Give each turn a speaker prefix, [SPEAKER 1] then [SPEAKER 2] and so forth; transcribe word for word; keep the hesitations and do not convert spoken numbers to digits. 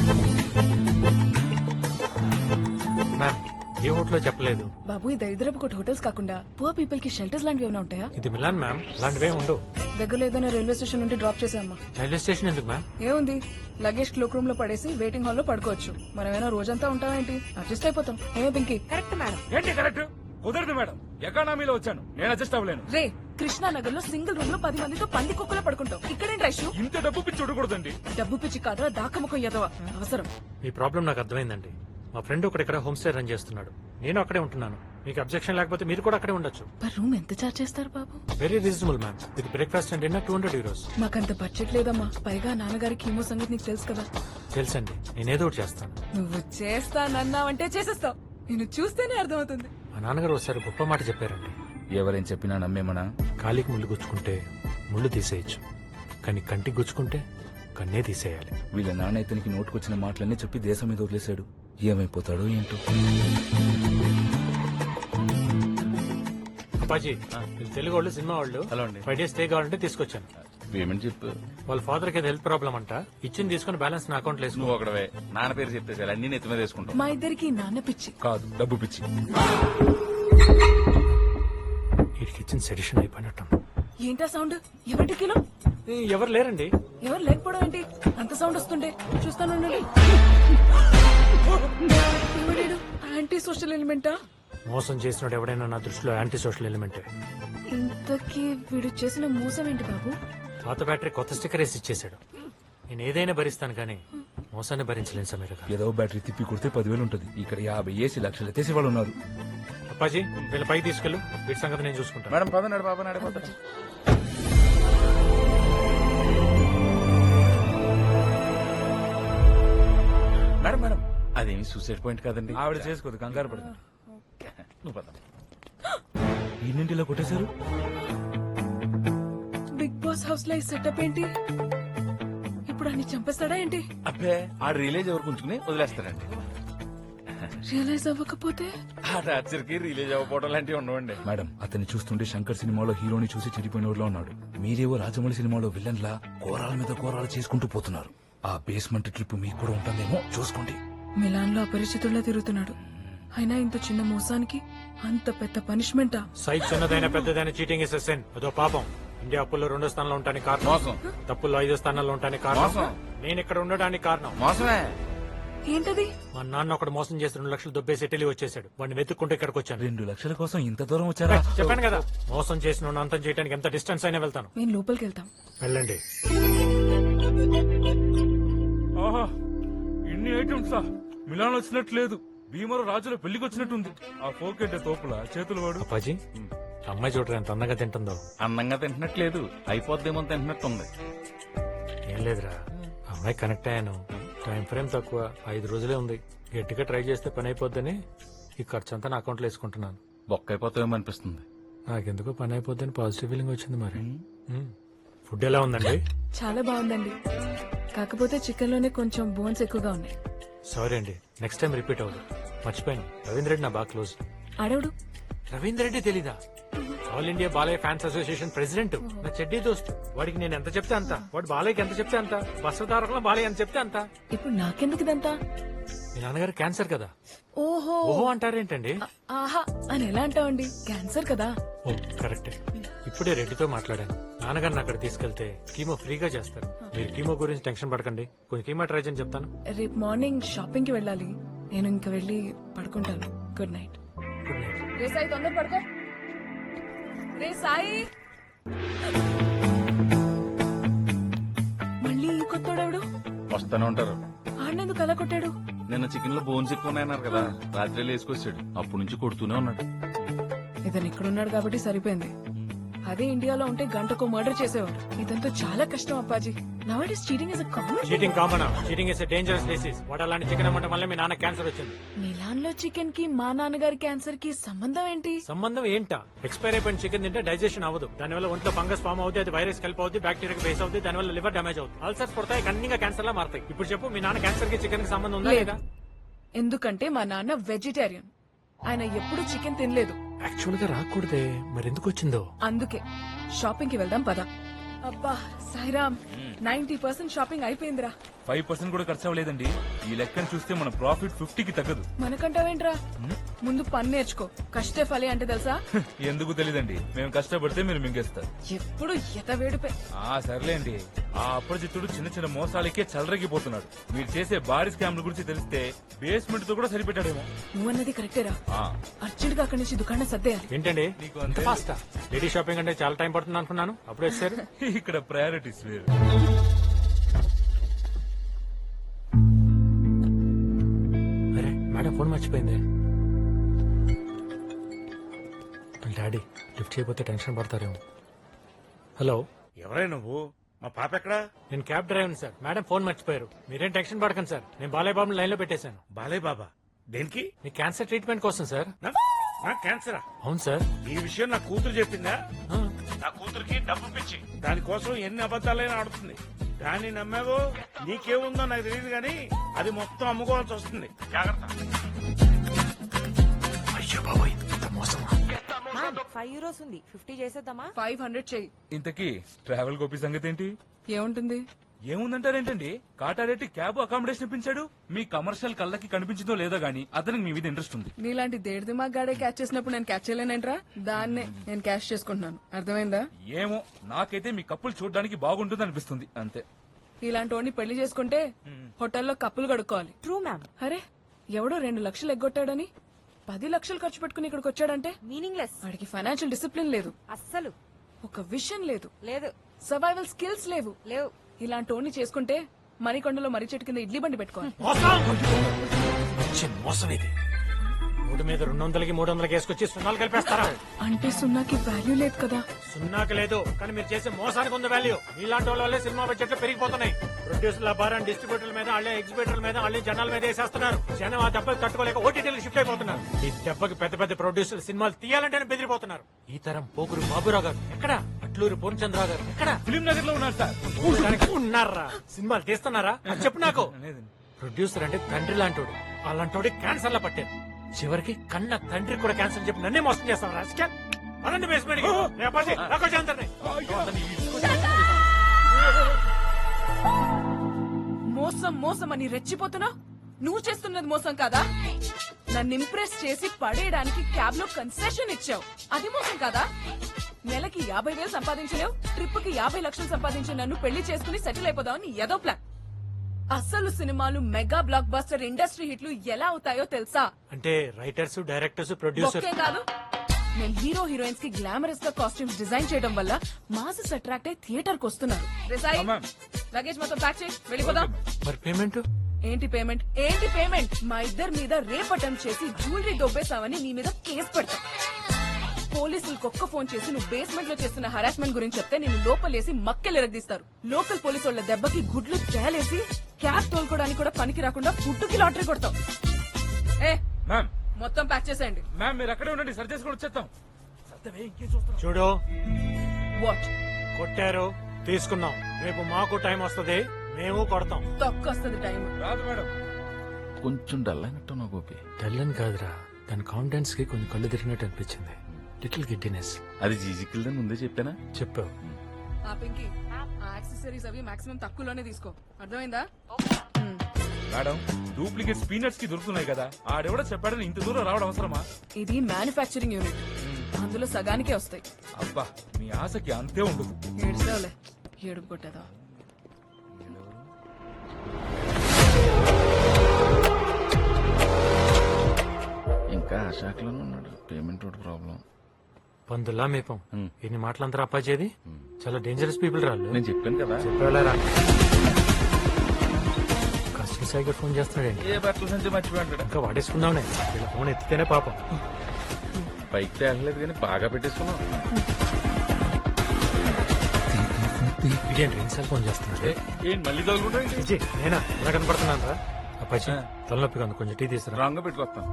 [SPEAKER 1] Ma'am ఏ హోటల్లో చెప్పలేదు.
[SPEAKER 2] బాబు ఈ దరిద్రపు కొట్టు హోటల్స్ కాకుండా పువర్ పీపుల్ కి షెల్టర్స్ లాంటివి ఏమైనా ఉంటాయా?
[SPEAKER 1] ఇది మిలాన్ మ్యామ్, లాంటివే ఉండవు.
[SPEAKER 2] దగ్గరలో ఏదైనా రైల్వే స్టేషన్ నుండి డ్రాప్ చేసామ్మా.
[SPEAKER 1] రైల్వే స్టేషన్ ఎందుకు మ్యామ్?
[SPEAKER 2] ఏముంది, లగేజ్ క్లోక్ రూమ్ లో పడేసి వెయిటింగ్ హాల్ లో పడుకోవచ్చు. మనమేనా రోజంతా ఉంటామేంటి? అడ్జస్ట్ అయిపోతాం. ఏమో పింకి?
[SPEAKER 3] Correct madam.
[SPEAKER 4] ఏంటి కరెక్ట్? కుదరదు మేడం, ఎకానమీలో వచ్చాను, నేను అడ్జస్ట్ అవ్వలేను.
[SPEAKER 2] రే, కృష్ణానగర్ లో సింగిల్ రూమ్ లో పది మందితో పంది కుక్కలో పడుకుంటాం. ఇక్కడేం రైషు?
[SPEAKER 4] ఇంత డబ్బు పిచ్చి చూడకూడదండి.
[SPEAKER 2] డబ్బు పిచ్చి కాదా, దాకముఖం ఎదవా అవసరం.
[SPEAKER 1] మీ ప్రాబ్లం నాకు అర్థమైందండి. మా ఫ్రెండ్ ఒకటి ఇక్కడ హోమ్ స్టే రన్ చేస్తున్నాడు, నేను అక్కడే ఉంటున్నాను. మీకు అబ్జెక్షన్ లేకపోతే మీరు కూడా అక్కడే ఉండొచ్చు.
[SPEAKER 2] పర్ రూమ్ ఎంత చార్జ్ చేస్తారు బాబు?
[SPEAKER 1] Very reasonable ma'am, with breakfast and dinner two hundred euros.
[SPEAKER 2] మాకంత బడ్జెట్ లేదమ్మా. పైగా నాన్నగారికి కీమో సంగతి నీకు తెలుసు కదా.
[SPEAKER 1] తెలుసండి, నేనేదో ఒకటి చేస్తాను.
[SPEAKER 2] నువ్వు చేస్తానన్నావంటే చేసేస్తావు. నేను చూస్తేనే అర్థమవుతుంది.
[SPEAKER 1] మా నాన్నగారు ఒకసారి గొప్ప మాట చెప్పారండి.
[SPEAKER 4] ఎవరేం చెప్పినా నమ్మేమనా?
[SPEAKER 1] కాలికి ముళ్ళు గుచ్చుకుంటే ముళ్ళు తీసేయచ్చు, కానీ కంటికి గుచ్చుకుంటే కన్నే తీసేయాలి.
[SPEAKER 4] వీళ్ళ నాన్న ఇతనికి నోటుకొచ్చిన మాటలన్నీ చెప్పి దేశం మీద వదిలేశాడు. ఏమైపోతాడో ఏంటో.
[SPEAKER 1] అప్పాజీ, వీళ్ళు తెలుగు వాళ్ళు, సినిమా వాళ్ళు.
[SPEAKER 4] హలో అండి.
[SPEAKER 1] ఫైవ్ డేస్ స్టే కావాలంటే తీసుకొచ్చాను.
[SPEAKER 4] పేమెంట్ చెప్పు.
[SPEAKER 1] వాళ్ళ ఫాదర్ కి హెల్త్ ప్రాబ్లం అంట, ఇచ్చింది తీసుకుని బ్యాలెన్స్ నా అకౌంట్ లో వేసుకో.
[SPEAKER 4] నువ్వు ఒకడవే నాన్న పేరు చెప్తే చాలు, అన్ని నెత్తి మీద వేసుకుంటావు.
[SPEAKER 2] మా ఇద్దరికి నాన్న పిచ్చి
[SPEAKER 4] కాదు, డబ్బు పిచ్చి.
[SPEAKER 1] వీడికి ఇచ్చిన సెడిషన్ అయిపోయినట్టు.
[SPEAKER 2] ఏంటా సౌండ్? ఎవరి కిలో?
[SPEAKER 1] ఎవరు లేరండి.
[SPEAKER 2] ఎవరు లేకపోవడం ఏంటి? అంత సౌండ్ వస్తుండే చూస్తాను. ఎవడేడు? యాంటీ సోషల్ ఎలిమెంటా?
[SPEAKER 1] మోసం చేసినోడు ఎవడైనా నా దృష్టిలో యాంటీ సోషల్ ఎలిమెంటే.
[SPEAKER 2] ఇంతకీ వీడు చేసిన మోసం ఏంటి బాబు?
[SPEAKER 1] పాత బ్యాటరీ కొత్త స్టిక్కర్ వేసి ఇచ్చేసాడు. నేను ఏదైనా భరిస్తాను కానీ మోసాన్ని భరించలేను సమీర గారు.
[SPEAKER 4] ఏదో బ్యాటరీ తిప్పి కొడితే పదివేలు ఉంటుంది, ఇక్కడ యాభై ఏసీ లక్షలు ఎత్తేసి వాళ్ళు ఉన్నారు.
[SPEAKER 1] అప్పాజీ, వీళ్ళ పైకి తీసుకెళ్ళు, వీటి సంగతి నేను చూసుకుంటాను.
[SPEAKER 4] మేడం పదనాడు బాబా నడిపోతా. మేడం మేడం అదేమి సూసైడ్ పాయింట్ కాదండి. ఆవిడ చేసుకోదు, కంగారు పడుతుంది. నువ్వు పద. ఎన్నింటిలో కొట్టేశారు?
[SPEAKER 2] బిగ్ బాస్ హౌస్ లో ఈ సెటప్ ఏంటి? ఇప్పుడు అన్ని చంపేస్తాడా ఏంటి?
[SPEAKER 4] అబ్బే, ఆ రిలేజ్ ఎవరు ఉంచుకుని వదిలేస్తారండి.
[SPEAKER 2] రియలైజ్ అవ్వకపోతే?
[SPEAKER 4] ఆ టార్చర్ కి రిలీజ్ అవ్వకపోవడం లాంటివి ఉండవండి. మేడం, అతన్ని చూస్తుంటే శంకర్ సినిమాలో హీరోని చూసి చెడిపోయిన ఊర్లో ఉన్నాడు. మీరేవో రాజమౌళి సినిమాలో విలన్ లా కోరాల మీద కోరాలు చేసుకుంటూ పోతున్నారు. ఆ బేస్మెంట్ ట్రిప్ మీకు కూడా ఉంటుందేమో చూసుకోండి.
[SPEAKER 2] మిలాన్ లో అపరిచితుల్లా తిరుగుతున్నాడు. అయినా ఇంత చిన్న మోసానికి అంత పెద్ద పనిష్మెంటా?
[SPEAKER 1] సైజ్ చిన్నదైన పెద్దదైన చీటింగ్ ఇస్ సెన్, అదో పాపం. ఇండియా అప్పుల్లో రెండో స్థానంలో ఉండడానికి కారణం
[SPEAKER 4] మోసం.
[SPEAKER 1] తప్పుల్లో ఐదో స్థానంలో ఉండడానికి కారణం
[SPEAKER 4] మోసం.
[SPEAKER 1] నేను ఇక్కడ ఉండడానికి కారణం
[SPEAKER 4] మోసమే.
[SPEAKER 2] ఏంటది?
[SPEAKER 1] మా నాన్న ఒకడు మోసం చేసి రెండు లక్షలు దొబ్బేసి ఇటలీ వచ్చేసాడు. వాడిని వెతుక్కుంటే ఇక్కడికి వచ్చాను.
[SPEAKER 4] రెండు లక్షల కోసం ఇంత దూరం వచ్చారా?
[SPEAKER 1] చెప్పాను కదా, మోసం చేసిన వాడిని అంతం చేయడానికి ఎంత డిస్టెన్స్ అయినా వెళ్తాను.
[SPEAKER 2] మేము లోపలికి వెళ్తాం.
[SPEAKER 1] వెళ్ళండి.
[SPEAKER 4] ఆహా, ఇన్ని ఐటమ్సా? మిలాన్ వచ్చినట్లేదు, భీమరు రాజుల పెళ్లికి వచ్చినట్టుంది. ఆ ఫోకెట్ తోపుల చేతులు వాడు.
[SPEAKER 1] అప్పాజీ, అమ్మాయి చూడరా ఎంత అందంగా తింటుందో.
[SPEAKER 4] అందంగా తింటున్నట్లేదు, అయిపోద్దేమో తింటున్నట్టుంది.
[SPEAKER 1] ఏం లేదురా, అమ్మాయి కనెక్ట్ అయ్యాను. టైం ఫ్రేమ్ తక్కువ, ఐదు రోజులే ఉంది. గట్టిగా ట్రై చేస్తే పని అయిపోద్దని ఈ ఖర్చు అంతా నా అకౌంట్లో వేసుకుంటున్నాను.
[SPEAKER 4] బొక్క అయిపోతామో అనిపిస్తుంది.
[SPEAKER 1] నాకెందుకో పని అయిపోద్దని పాజిటివ్ ఫీలింగ్ వచ్చింది. మరి మ్మ్. ఫుడ్ ఎలా ఉందండి?
[SPEAKER 2] చాలా బాగుందండి, కాకపోతే చికెన్ లోనే కొంచెం బోన్స్ ఎక్కువగా ఉన్నాయి.
[SPEAKER 1] సారీ అండి, నెక్స్ట్ టైం రిపీట్ అవ్వదు. మర్చిపోయాను, రవీంద్ర రెడ్డి నా బాగా క్లోజ్.
[SPEAKER 2] అడవుడు
[SPEAKER 1] రవీంద్ర రెడ్డి తెలీదా? All India Balayya fans association president, నా చెడ్డీ దోస్తు. వాడికి నేను ఎంత చెప్తే అంత, వాడు బాలయ్యకి ఎంత చెప్తే అంత, బస్వతారకంలో బాలయ్య ఎంత చెప్తే అంత.
[SPEAKER 2] ఇప్పుడు నాకెందుకు ఇదంతా?
[SPEAKER 1] మీ నాన్నగారు క్యాన్సర్ కదా.
[SPEAKER 2] ఓహో
[SPEAKER 1] ఓహో అంటారేంటండి?
[SPEAKER 2] ఆహా అని ఎలా అంటావండి? క్యాన్సర్ కదా.
[SPEAKER 1] ఓ కరెక్టే. ఇప్పుడే రెడ్డితో మాట్లాడాను. నాన్నగారిని అక్కడ తీసుకెళ్తే కీమో ఫ్రీగా చేస్తారు. మీరు కీమో గురించి టెన్షన్ పడకండి, కొంచెం కీమో ట్రై చేయని చెప్తాను.
[SPEAKER 2] రేపు మార్నింగ్ షాపింగ్ కి వెళ్ళాలి, నేను ఇంకా వెళ్ళి పడుకుంటాను. Good night.
[SPEAKER 1] Good night.
[SPEAKER 2] రే సాయి, తొందర పడుకో. రే సాయి, మళ్ళీ ఈ కొత్తోడెవడు?
[SPEAKER 4] వస్తానే ఉంటారు.
[SPEAKER 2] ఆడినందుకు అలా కొట్టాడు?
[SPEAKER 4] నిన్న చికెన్ లో బోన్స్ ఎక్కువ ఉన్నాయన్నారు కదా, రాత్రి వేసుకొచ్చాడు. అప్పటి నుంచి కొడుతూనే ఉన్నాడు.
[SPEAKER 2] ఇతను ఇక్కడున్నాడు కాబట్టి సరిపోయింది. అదే ఇండియాలో ఉంటే గంటకు మర్డర్ చేసేవాడు. ఇదంతా చాలా కష్టం అప్పాజీ. Nowadays cheating is a common.
[SPEAKER 1] Cheating common, cheating is dangerous disease. వాడు అలాంటి చికెన్ అమ్మటం వల్ల మీ నాన్న క్యాన్సర్ వచ్చింది.
[SPEAKER 2] మిలాన్ లో చికెన్ కి మా నాన్నగారి క్యాన్సర్ కి సంబంధం ఏంటి?
[SPEAKER 1] సంబంధం ఏంటా? ఎక్స్పైర్ అయిపోయిన చికెన్ తింటే డైజెషన్ అవ్వదు, దానివల్ల ఒంట్లో ఫంగస్ ఫామ్ అవుతుంది, అది వైరస్ కలిపి అవుతుంది, బ్యాక్టీరియా బేస్ అవుతుంది, దానివల్ల లివర్ డామేజ్ అవుతుంది, అల్సర్స్ పడతాయి, కన్నీగా క్యాన్సర్ లా మారుతాయి. ఇప్పుడు చెప్పు, మీ నాన్న క్యాన్సర్ కి చికెన్ కి సంబంధం ఉందా లేదా?
[SPEAKER 2] ఎందుకంటే మా నాన్న వెజిటేరియన్, ఆయన ఎప్పుడు చికెన్ తినలేదు.
[SPEAKER 1] యాక్చువల్ గా రాకూడదే, మరి ఎందుకు వచ్చిందో?
[SPEAKER 2] అందుకే షాపింగ్ కి వెళ్దాం పద. అబ్బా సాయిరామ్ నైన్టీ పర్సెంట్ షాపింగ్ అయిపోయిందిరా.
[SPEAKER 4] ఫైవ్ పర్సెంట్ కూడా ఖర్చు అవ్వలేదండి. ఈ లెక్కను చూస్తే మన ప్రాఫిట్ ఫిఫ్టీకి తగ్గదు.
[SPEAKER 2] మనకంటావేంట్రా? ముందు పని నేర్చుకో. కష్టే ఫలి అంటే తెలుసా?
[SPEAKER 4] ఎందుకు తెలీదండి, మేము కష్టపడితే మీరు మింగేస్తారు.
[SPEAKER 2] ఎప్పుడు ఎత వేడిపే.
[SPEAKER 4] ఆ సర్లేండి, ఆ అప్రజిత్తుడు చిన్న చిన్న మోసాలకే చలరగిపోతున్నాడు. మీరు చేసే భారీ స్కామ్ల గురించి తెలిస్తే బేస్మెంట్ తో కూడా సరిపెట్టాడేమో.
[SPEAKER 2] నువ్వన్నది కరెక్టేరా.
[SPEAKER 4] ఆ,
[SPEAKER 2] అర్జెంట్ గా అక్కడి నుంచి దుకాణం సర్దేయాలి.
[SPEAKER 1] ఏంటండి
[SPEAKER 4] నీకు అంతే.
[SPEAKER 1] ఫాస్ట్ లేడీ షాపింగ్ అంటే చాలా టైం పడుతుంది అనుకున్నాను, అప్పుడు వచ్చారు.
[SPEAKER 4] ఇక్కడ ప్రయారిటీస్ వేరు.
[SPEAKER 1] అరే మేడం ఫోన్ మర్చిపోయింది. డాడీ లిఫ్ట్ చేయకపోతే టెన్షన్ పడతారేమో. హలో,
[SPEAKER 3] ఎవరై నువ్వు? మా పాప ఎక్కడా?
[SPEAKER 1] నేను cab driver sir. Madam phone మర్చిపోయారు. మీరేం టెన్షన్ పడకండి సార్, నేను బాలయ్య బాబుని లైన్ లో పెట్టేశాను.
[SPEAKER 3] బాలయ్య బాబా దేనికి?
[SPEAKER 1] మీ క్యాన్సర్ ట్రీట్మెంట్ కోసం సార్.
[SPEAKER 3] నా- నా క్యాన్సరా?
[SPEAKER 1] అవును సార్.
[SPEAKER 3] ఈ విషయం నా కూతురు చెప్పిందా?
[SPEAKER 1] ఆ,
[SPEAKER 3] నా కూతురికి డబ్బు పిచ్చి, దానికోసం ఎన్ని అబద్ధాలైనా ఆడుతుంది. దాన్ని నమ్మావో నీకేముందో నాకు తెలియదు కానీ అది మొత్తం అమ్ముకోవాల్సి వస్తుంది. జాగ్రత్త.
[SPEAKER 1] అయ్యో బాబోయ్, ఇంత మోసమా?
[SPEAKER 5] ఫైవ్ యూరోస్ ఉంది, ఫిఫ్టీ చేసేద్దామా?
[SPEAKER 2] ఫైవ్ హండ్రెడ్ చెయ్యి.
[SPEAKER 4] ఇంతకీ ట్రావెల్ గోపి సంగతి ఏంటి?
[SPEAKER 2] ఏముంటుంది?
[SPEAKER 4] ఏముందంటారేంటండి, కాటారెడ్డి క్యాబ్ అకామిడేషన్ ఇప్పించాడు. మీ కమర్షియల్ కళ్ళకి కనిపించిందో లేదో గానీ అతనికి మీ మీద ఇంట్రెస్ట్ ఉంది.
[SPEAKER 2] నీలాంటి దేడి దిమాగ్ గాడే క్యాచ్ చేసినప్పుడు నేను క్యాచ్ చేయలేనంట్రా. దాన్నే నేను క్యాష్ చేసుకుంటున్నాను. అర్థమైందా?
[SPEAKER 4] ఏమో, నాకైతే మీ కప్పులు చూడడానికి బాగుంటుంది అనిపిస్తుంది అంతే.
[SPEAKER 2] ఇలాంటి వాడిని పెళ్లి చేసుకుంటే హోటల్లో కప్పులు కడుక్కోవాలి.
[SPEAKER 5] True ma'am.
[SPEAKER 2] అరే ఎవడో రెండు లక్షలు ఎగ్గొట్టాడని పది లక్షలు ఖర్చు పెట్టుకుని ఇక్కడికి వచ్చాడంటే
[SPEAKER 5] మీనింగ్ లెస్.
[SPEAKER 2] వాడికి ఫైనాన్షియల్ డిసిప్లిన్ లేదు,
[SPEAKER 5] అస్సలు
[SPEAKER 2] ఒక విషన్ లేదు,
[SPEAKER 5] లేదు.
[SPEAKER 2] సర్వైవల్ స్కిల్స్ లేవు.
[SPEAKER 5] లేవు.
[SPEAKER 2] ఇలాంటి వాడిని చేసుకుంటే మరికొండలో మర్రి చెట్టు కింద ఇడ్లీ బండి పెట్టుకోవాలి.
[SPEAKER 1] మోసం! మంచి మోసం ఇది. మూడు మీద రెండు వందలకి మూడు వందలకి వేసుకొచ్చి సున్నాలు కలిపేస్తారా?
[SPEAKER 2] అంటే సున్నాకి వాల్యూ లేదు కదా.
[SPEAKER 1] సున్నాకి లేదు, కానీ మీరు చేసే మోసానికి ఉంది వాల్యూ. మీలాంటి వాళ్ళ వల్లే సినిమా బడ్జెట్లు పెరిగిపోతున్నాయి. ప్రొడ్యూసర్ల భారం డిస్ట్రిబ్యూటర్ల మీద, వాళ్ళే ఎగ్జిబిటర్ల మీద, వాళ్ళే జనాల మీద వేసేస్తున్నారు. జనం ఆ దెబ్బకి తట్టుకోలేక ఓటీటీలకు షిఫ్ట్ అయిపోతున్నారు. ఈ దెబ్బకి పెద్ద పెద్ద ప్రొడ్యూసర్ సినిమాలు తీయాలంటేనే బెదిరిపోతున్నారు. ఈ తరం పోగురు బాబురావు గారు ఎక్కడ? అట్లూరు పూర్ణచంద్రరావు గారు ఎక్కడ?
[SPEAKER 4] ఫిలిం నగర్ లో ఉన్నారు సార్.
[SPEAKER 1] చూడడానికి ఉన్నారా? సినిమాలు తీస్తున్నారా? అది చెప్పు నాకు.
[SPEAKER 4] లేదండి.
[SPEAKER 1] ప్రొడ్యూసర్ అంటే తండ్రి లాంటోడు. అలాంటోడి క్యాన్సర్ లా పట్టారు. చివరికి కన్న తండ్రి కూడా క్యాన్సర్ చెప్పి నన్నే మోసం చేస్తాం. రాజకీయ అనండి బేస్మెంట్
[SPEAKER 2] మోసం మోసం అని రెచ్చిపోతున్నా. నువ్వు చేస్తున్నది మోసం కాదా? నన్ను ఇంప్రెస్ చేసి పడేయడానికి క్యాబ్ లో కన్సెషన్ ఇచ్చావు, అది మోసం కాదా? నెలకి యాభై వేలు సంపాదించలేవు, ట్రిప్ కి యాభై లక్షలు సంపాదించి నన్ను పెళ్లి చేసుకుని సెటిల్ అయిపోదామని ఏదో ప్లాన్. అసలు సినిమాలు మెగా బ్లాక్ బస్టర్ ఇండస్ట్రీ హిట్లు ఎలా అవుతాయో తెలుసా?
[SPEAKER 1] అంటే రైటర్స్, డైరెక్టర్స్, ప్రొడ్యూసర్
[SPEAKER 2] ఒకే కాదు, నేను హీరో హీరోయిన్స్ కి గ్లామరస్ గా కాస్ట్యూమ్స్ డిజైన్ చేయడం వల్ల మాసెస్ అట్రాక్ట్ అయి థియేటర్ కు వస్తున్నారు. రిసాయి,
[SPEAKER 4] ఆ, మ్యామ్.
[SPEAKER 2] లగేజ్ మొత్తం ప్యాక్ చేయి, వెళ్ళిపోదాం.
[SPEAKER 1] మరి పేమెంట్?
[SPEAKER 2] ఏంటి పేమెంట్? ఏంటి పేమెంట్? మా ఇద్దరి మీద రేప్ అటెంప్ట్ చేసి జ్యువెలరీ దొబ్బేసావని నీ మీద కేసు పెడతా. పోలీసులకు ఒక్క ఫోన్ చేసి నువ్వు బేస్మెంట్ లో చేస్తున్న హరాస్మెంట్ గురించి చెప్తే నేను లోపలేసి మక్కెలు ఎరగదీస్తారు. లోకల్ పోలీసు వాళ్ళ దెబ్బకి గుడ్లు తేలేసి క్యాబ్ తోలుకోవడానికి కూడా పనికి రాకుండా ఫుడ్కి లాటరీ కొడతావు. ఏ
[SPEAKER 4] మ్యామ్,
[SPEAKER 2] మొత్తం ప్యాక్ చేసేయండి.
[SPEAKER 4] మ్యామ్ మీరు అక్కడే ఉండండి, సరి చేసుకొని వచ్చేస్తాం.
[SPEAKER 1] చూడు,
[SPEAKER 2] వాట్
[SPEAKER 1] కొట్టారు, తీసుకున్నాం. రేపు మాకు టైం వస్తది, మేము కొడతాం.
[SPEAKER 2] తక్కువ వస్తుంది టైం.
[SPEAKER 4] రాదు మేడం.
[SPEAKER 6] కొంచెం డల్ అయినట్టున్నావు గోపి.
[SPEAKER 1] తెల్లని కాదురా, దాని కాన్ఫిడెన్స్ కి కొంచెం కళ్ళు తిరిగినట్టు అనిపించింది. Little giddiness.
[SPEAKER 6] అది జీజికిల్దని ముందే చెప్పానా?
[SPEAKER 1] చెప్పావు.
[SPEAKER 2] ఆ పింకి, ఆ యాక్సెసరీస్ అవి మాక్సిమం తక్కువలోనే తీసుకో, అర్థమైందా? హ్మ్.
[SPEAKER 4] మేడం, డూప్లికేట్ స్పీనట్స్ కి దొరుకుతున్నాయి కదా, ఆడెవడో చెప్పాడని ఇంత దూరం రావడం అవసరమా?
[SPEAKER 2] ఇది మ్యానుఫ్యాక్చరింగ్ యూనిట్, అందులో సగానికే వస్తాయి.
[SPEAKER 4] అబ్బా, మీ ఆశకి అంతే ఉండదు.
[SPEAKER 2] ఏడుస్తావులే, ఏడుపు కొట్టేదా.
[SPEAKER 6] ఇంకా ఆ శాఖలోనే ఉన్నాడు. పేమెంట్ ఒకటి ప్రాబ్లం.
[SPEAKER 1] పందుల్లా మేపం. ఎన్ని మాటలంతా అప్పాచేది. చాలా డేంజరస్ పీపుల్ రాళ్ళు.
[SPEAKER 6] నేను చెప్పాను కదా.
[SPEAKER 1] చెప్పారా? కస్టమర్ సైకిల్ ఫోన్ చేస్తున్నాడండి.
[SPEAKER 6] ఏ బట్టల నుంచి మర్చిపోయాడు.
[SPEAKER 1] ఇంకా వాడేసుకుందామనే, ఇలా ఫోన్ ఎత్తితేనే పాపం.
[SPEAKER 6] పైకి తేగలేదు కానీ బాగా పెట్టేసుకున్నావు.
[SPEAKER 1] ఇదేంటి రెండుసార్లు ఫోన్ చేస్తున్నాడు?
[SPEAKER 6] ఏంటి మళ్ళీ తగులుకుంటా?
[SPEAKER 1] విజయ్, నేనా ఎలా కనపడుతున్నాను రా? అప్పాజీ తలనొప్పిగా ఉంది, కొంచెం టీ తీసుకురా.
[SPEAKER 6] రాంగ్ పెట్టుకొస్తాను.